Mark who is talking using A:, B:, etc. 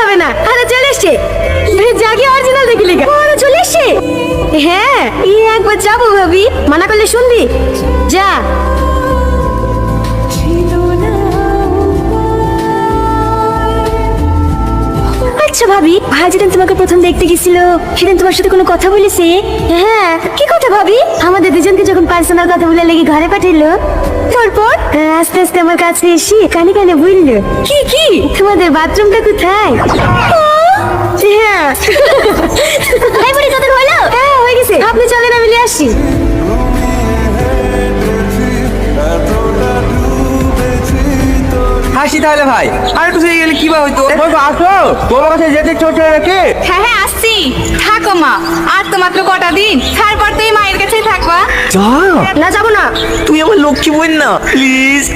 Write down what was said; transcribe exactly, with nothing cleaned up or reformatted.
A: হবে না, আরে চলে এসছে। জাগি অরিজিনাল দেখি লিগা ওরা চলে এসছে। হ্যাঁ ই একবার যাবো ভাবি, মানা করলে শুনবি? যা। আচ্ছা ভাবি, ভাই যেদিন তোমাকে প্রথম দেখতে গেছিল সেদিন তোমার সাথে কোনো কথা বলেছে? হ্যাঁ। কি কথা ভাবি? আমাদের দুজনকে যখন পার্সোনাল কথা বলে লেগে ঘরে পাঠাইলো, তারপর আস্তে আস্তে আমার কাছে এসে কানে কানে বললো, কি কি তোমাদের বাথরুমটা কোথায়? হ্যাঁ। এই বুড়ি তোদের হলো? হ্যাঁ হয়ে গেছে, আপনি চলেন আমি নিয়ে আসি।
B: হাসি তাহলে ভাই, আর একটু থেকে গেলে কি বা হইতো? আসো, তোমার কাছে যেতে চলছে নাকি?
C: হ্যাঁ হ্যাঁ আসছি। থাকো মা, আর তো মাত্র কটা দিন, তারপর তুই মায়ের কাছেই থাকবা।
B: যা,
A: না যাবো না।
B: তুই আমার লক্ষ্মী বোন না, প্লিজ।